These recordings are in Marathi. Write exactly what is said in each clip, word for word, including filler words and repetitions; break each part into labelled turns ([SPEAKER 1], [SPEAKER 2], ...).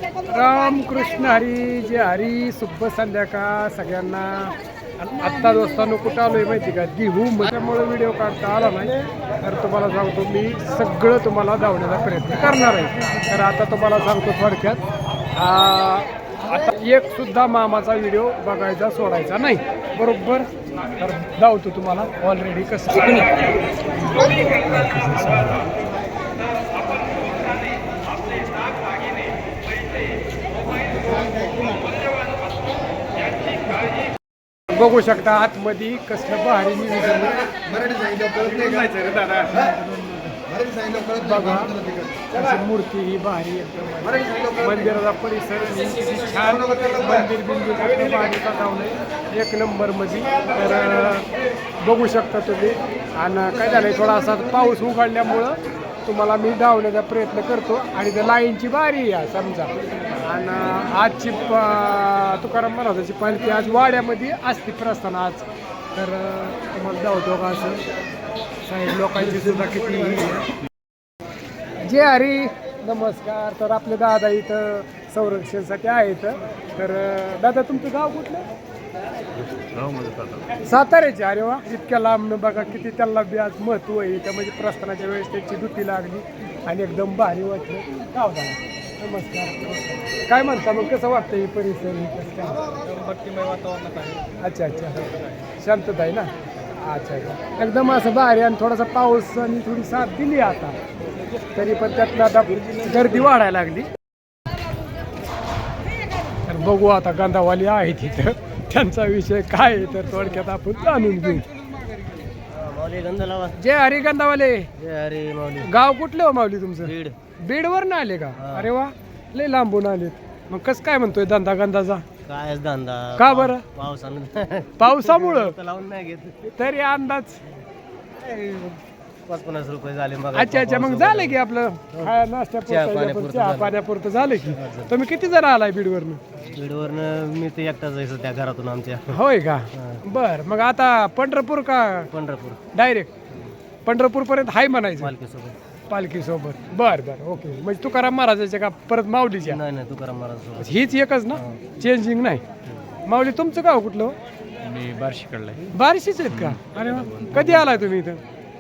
[SPEAKER 1] रामकृष्ण हरी जे हरी शुभ संध्याकाळ सगळ्यांना. आत्ता दोस्तांनो कुठं आलोय माहिती का, दिहू त्यामुळे व्हिडिओ काढता आला नाही तर तुम्हाला सांगतो मी सगळं तुम्हाला धावण्याचा प्रयत्न करणार आहे. तर आता तुम्हाला सांगतो थोडक्यात, आता एक सुद्धा मामाचा व्हिडिओ बघायचा सोडायचा नाही, बरोबर. तर धावतो तुम्हाला ऑलरेडी कसं बघू शकता आतमध्ये कसलं भारी नियोजन बघा. अशी मूर्ती ही भारी एकदम, मंदिराचा परिसर छान, मंदिर बिंदू भारीचा धावलंय एक नंबर मध्ये. तर बघू शकता तुम्ही. आणि काय झालंय, थोडासा पाऊस उघडल्यामुळं तुम्हाला मी धावण्याचा प्रयत्न करतो. आणि त्या लाईनची बारी आहे समजा. आणि आजची तुकाराम महाराजांची पालखी आज वाड्यामध्ये असते प्रस्थान आज. तर तुम्हाला धावतो का असं साहेब लोकांची सुद्धा किती. जे हरी नमस्कार. तर आपले दादा इथं संरक्षणासाठी आहेत. तर दादा तुमचं गाव कुठलं? साताऱ्याचे. अरे वा, इतक्या लांब बघा किती त्याला बी आज महत्व आहे. त्या म्हणजे प्रस्थानाच्या वेळेस त्याची दुती लागली आणि एकदम भारी वाटलं. गाव झाला. नमस्कार. काय म्हणता मग, कसं वाटतं हे परिसर? भक्तिमय वातावरणात आहे. अच्छा अच्छा, शांतता आहे ना. अच्छा अच्छा, एकदम असं भारी. आणि थोडासा पाऊस आणि थोडी साथ दिली आता, तरी पण त्यातनं आता गर्दी वाढायला लागली. तर बघू आता गंधावाली आहे तिथं, त्यांचा विषय काय आहे तर थोडक्यात आपण जाणून घेऊ. जय हरी गंधावाले.
[SPEAKER 2] जय हरी माऊली.
[SPEAKER 1] गाव कुठलं हो माऊली तुमचं?
[SPEAKER 2] बीड.
[SPEAKER 1] बीडवर ना आले का? अरे वा, लय लांबून आलेत. मग कसं काय म्हणतोय धंदा गंधाचा?
[SPEAKER 2] काय धंदा?
[SPEAKER 1] का बरं?
[SPEAKER 2] पावसानं
[SPEAKER 1] पावसामुळं
[SPEAKER 2] लावून नाही घेत
[SPEAKER 1] तरी अंदाज
[SPEAKER 2] पाच पन्नास रुपये झाले मग.
[SPEAKER 1] अच्छा अच्छा, मग झालं की आपलं खाया नाश्त्यापुरतं चहा पाण्यापुरतं झालं की. तुम्ही किती जण आलाय बीडवरनं?
[SPEAKER 2] बीडवरनं मी ते एकटाच आहे सध्या घरातून आमच्या.
[SPEAKER 1] होय का? बर. मग आता पंढरपूर का
[SPEAKER 2] पंढरपूर?
[SPEAKER 1] डायरेक्ट पंढरपूर पर्यंत हाय म्हणायचं
[SPEAKER 2] पालखीसोबत.
[SPEAKER 1] पालखी सोबत. बर बर, ओके. म्हणजे तुकाराम महाराजाच्या का परत माऊलीच्या?
[SPEAKER 2] नाही नाही, तुकाराम महाराज सोबत.
[SPEAKER 1] हीच एकच ना, चेंजिंग नाही. माऊली तुमचं गाव कुठलं?
[SPEAKER 3] मी बार्शी कडला.
[SPEAKER 1] बार्शीच आहेत का? अरे वा, कधी आलाय तुम्ही इथं?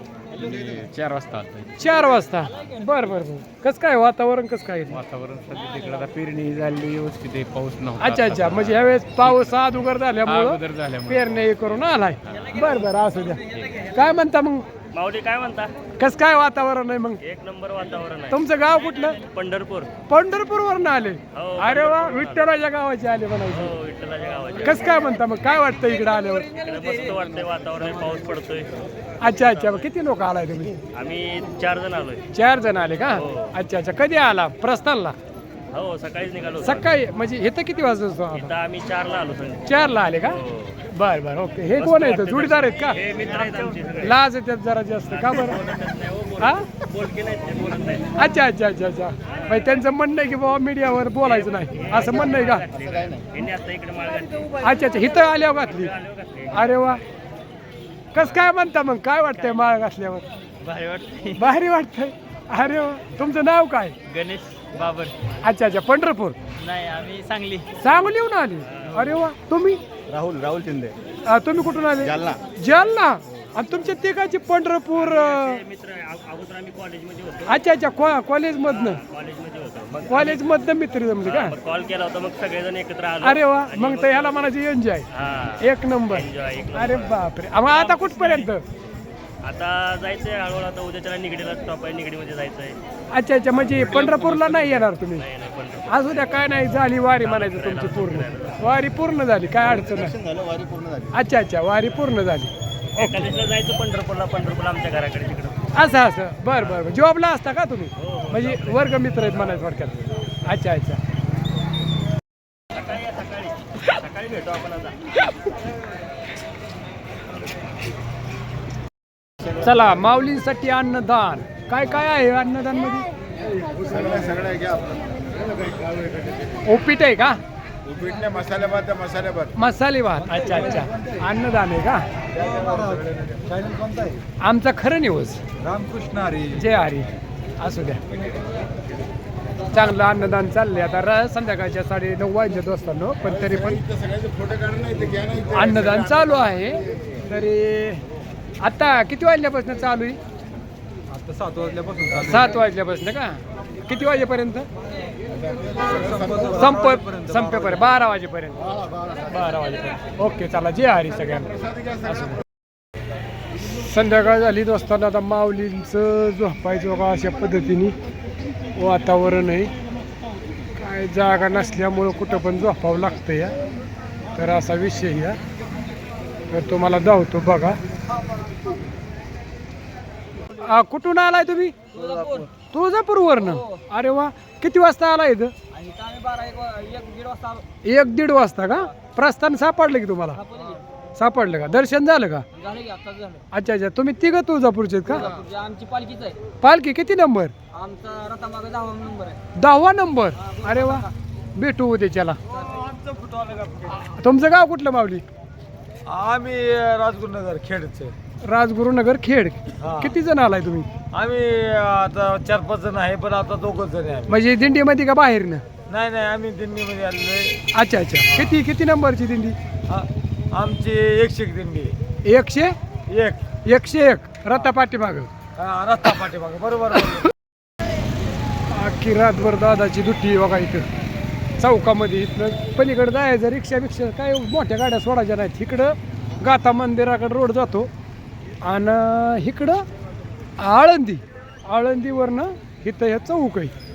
[SPEAKER 3] चार वाजता आलोय.
[SPEAKER 1] चार वाजता. बर बर बर. कसं काय वातावरण, कसं काय?
[SPEAKER 3] वातावरण सध्या तिकडे आता पेरणी झाली व्यवस्थित आहे, पाऊस नव्हता.
[SPEAKER 1] अच्छा अच्छा, म्हणजे ह्यावेळेस पाऊस अगोदर झाल्यामुळं
[SPEAKER 3] अगोदर झाल्यामुळे
[SPEAKER 1] पेरणे हे करून आलाय. बर बर, असू द्या. काय म्हणता मग,
[SPEAKER 4] माऊली काय म्हणता?
[SPEAKER 1] कसं काय वातावरण आहे मग?
[SPEAKER 4] एक नंबर वातावरण आहे.
[SPEAKER 1] तुमचं गाव कुठलं?
[SPEAKER 4] पंढरपूर.
[SPEAKER 1] पंढरपूर वरून आले?
[SPEAKER 4] हो,
[SPEAKER 1] अरे वा, विठ्ठलाच्या गावाचे आले म्हणायचे.
[SPEAKER 4] हो, विठ्ठलाच्या गावाचे.
[SPEAKER 1] कसं काय म्हणता मग, काय वाटतं इकडे आल्यावर?
[SPEAKER 4] इकडे मस्त वाटतंय वातावरण, पाऊस पडतोय.
[SPEAKER 1] अच्छा अच्छा, किती लोक आलाय तुम्ही?
[SPEAKER 4] आम्ही चार जण आलोय.
[SPEAKER 1] चार जण आले का?
[SPEAKER 4] हो.
[SPEAKER 1] अच्छा अच्छा, कधी आला प्रस्थानला?
[SPEAKER 4] हो, सकाळीच निघालो.
[SPEAKER 1] सकाळी म्हणजे इथं किती वाजता?
[SPEAKER 4] इथं आम्ही चारला आलो सगळे.
[SPEAKER 1] चारला आले का?
[SPEAKER 4] हो.
[SPEAKER 1] बर बर, ओके. हे कोण आहेत, जोडीदार आहेत का?
[SPEAKER 4] हे मित्र आहेत आमचे सगळे.
[SPEAKER 1] लाज येतात जरा जास्त का बरं? हा,
[SPEAKER 4] बोलके नाहीत ते, बोलत नाही.
[SPEAKER 1] अच्छा अच्छा अच्छा अच्छा. म्हणजे त्यांचं म्हणणं आहे की बाबा मीडियावर बोलायचं नाही, असं म्हणणं आहे का?
[SPEAKER 4] यांनी आता इकडे माळ घातली.
[SPEAKER 1] अच्छा अच्छा, इथं आल्यावर घातली. अरे वा, कसं काय म्हणता मग, काय वाटतंय माळ घातल्यावर?
[SPEAKER 4] भारी वाटतंय.
[SPEAKER 1] भारी वाटतंय. अरे वा, तुमचं नाव काय?
[SPEAKER 4] गणेश बाबर.
[SPEAKER 1] अच्छा अच्छा, पंढरपूर.
[SPEAKER 4] नाही, आम्ही सांगली.
[SPEAKER 1] सांगलीहून आले? अरे वा. तुम्ही?
[SPEAKER 2] राहुल राहुल शिंदे.
[SPEAKER 1] अ, तुम्ही कुठून आले?
[SPEAKER 2] जालना.
[SPEAKER 1] जालना. आणि तुमच्या तिघाची पंढरपूर. अ,
[SPEAKER 4] ते मित्र अगोदर आम्ही कॉलेजमध्ये होतो.
[SPEAKER 1] अच्छा अच्छा, कॉ- कॉलेजमधनं
[SPEAKER 4] कॉलेजमध्ये होतो. मग
[SPEAKER 1] कॉलेजमधनं मित्र जमले का?
[SPEAKER 4] मग कॉल केला होता, मग सगळेजण एकत्र आलो.
[SPEAKER 1] अरे वा, मग तर ह्याला म्हणायचे एन्जॉय.
[SPEAKER 4] हा,
[SPEAKER 1] एक नंबर.
[SPEAKER 4] एन्जॉय एक
[SPEAKER 1] अरे बापरे. मग आता कुठपर्यंत?
[SPEAKER 4] आता जायचंय हळूहळू. आता उद्याच्याला निगडीला स्टॉप आहे, निगडीमध्ये जायचंय.
[SPEAKER 1] अच्छा अच्छा, म्हणजे पंढरपूरला नाही येणार तुम्ही?
[SPEAKER 4] नाही नाही, पंढरपूर.
[SPEAKER 1] असू द्या, काय नाही, झाली वारी म्हणायचं तुमची पूर्ण. वारी पूर्ण झाली, काय अडचण नाही.
[SPEAKER 2] झालं, वारी पूर्ण झाली.
[SPEAKER 1] अच्छा अच्छा, वारी पूर्ण झाली.
[SPEAKER 4] एकादशीला जायचं पंढरपूरला. पंढरपूरला आमच्या घराकडे तिकडं.
[SPEAKER 1] असं असं, बरं बरं. जॉबला असता का तुम्ही?
[SPEAKER 4] हो, हो.
[SPEAKER 1] म्हणजे वर्ग मित्र आहेत म्हणायचं थोडक्यात. अच्छा अच्छा.
[SPEAKER 4] सकाळी या, सकाळी सकाळी भेटू आपण आता.
[SPEAKER 1] चला, माऊलींसाठी अन्नदान. काय काय आहे अन्नदान मध्ये?
[SPEAKER 2] सगळ्या सगळ्या घ्या.
[SPEAKER 1] ओपीट आहे का?
[SPEAKER 2] उपीटने मसाले भात मसाले भात.
[SPEAKER 1] मसाले भात. अच्छा अच्छा, अन्नदान आहे का? आमचा खरं न्यूज.
[SPEAKER 2] रामकृष्ण हरी.
[SPEAKER 1] जय हरी. असू द्या. चांगलं अन्नदान चाललंय आता र संध्याकाळच्या साडे नऊ वाजल्यात वाजता पण तरी पण
[SPEAKER 2] सगळ्याचे फोटो काढून नाही ते घ्या नाही ते.
[SPEAKER 1] अन्नदान चालू आहे. तरी आता किती वाजल्यापासून चालू आहे?
[SPEAKER 2] आता सात वाजल्यापासून
[SPEAKER 1] सात वाजल्यापासून का किती वाजेपर्यंत संप संपेपर्यंत बारा वाजेपर्यंत बारा वाजेपर्यंत ओके चला जे हरी सगळ्यांना. संध्याकाळ झाली असताना आता माऊलींचं झोपायचं बघा अशा पद्धतीने वातावरण आहे. काय जागा नसल्यामुळं कुठं पण झोपावं लागतं या तर असा विषय या तर तुम्हाला धावतो बघा. आ, कुठून आलाय तुम्ही? तुळजापूरवरनं. अरे वा किती वाजता आला इथं? एक दीड वाजता का? प्रस्थान सापडलं की तुम्हाला? सापडलं का? दर्शन झालं का? अच्छा अच्छा तुम्ही तिघं तुळजापूरचे आहेत का?
[SPEAKER 5] आमची पालखीच आहे.
[SPEAKER 1] पालखी किती नंबर?
[SPEAKER 5] आमचा रथामागे दहावा नंबर आहे.
[SPEAKER 1] दहावा नंबर. अरे वा भेटू उद्याच्याला. तुमचं गाव कुठलं माऊली?
[SPEAKER 6] आम्ही राजगुरुनगर खेडचे.
[SPEAKER 1] राजगुरुनगर खेड. किती जण आलाय तुम्ही?
[SPEAKER 6] आम्ही आता चार पाच जण आहे पण आता दोघच जण आहे.
[SPEAKER 1] म्हणजे दिंडीमध्ये का बाहेरनं?
[SPEAKER 6] नाही नाही आम्ही दिंडीमध्ये आलेलो.
[SPEAKER 1] अच्छा अच्छा किती किती नंबरची दिंडी?
[SPEAKER 6] आमची एकशे एक दिंडी आहे.
[SPEAKER 1] एकशे
[SPEAKER 6] एक
[SPEAKER 1] एकशे एक रथा पाठीमाग
[SPEAKER 6] हा, रस्ता पाठीमागं बरोबर आहे.
[SPEAKER 1] अख्खी रातभर दादाची दुट्टी बघा इथं चौकामध्ये. इथनं पलीकडे जायचं रिक्षा बिक्षा काय मोठ्या गाड्या सोडायच्या नाहीत. इकडं गाथा मंदिराकडे रोड जातो आणि इकडं आळंदी आळंदीवरनं इथं हे चौक आहे.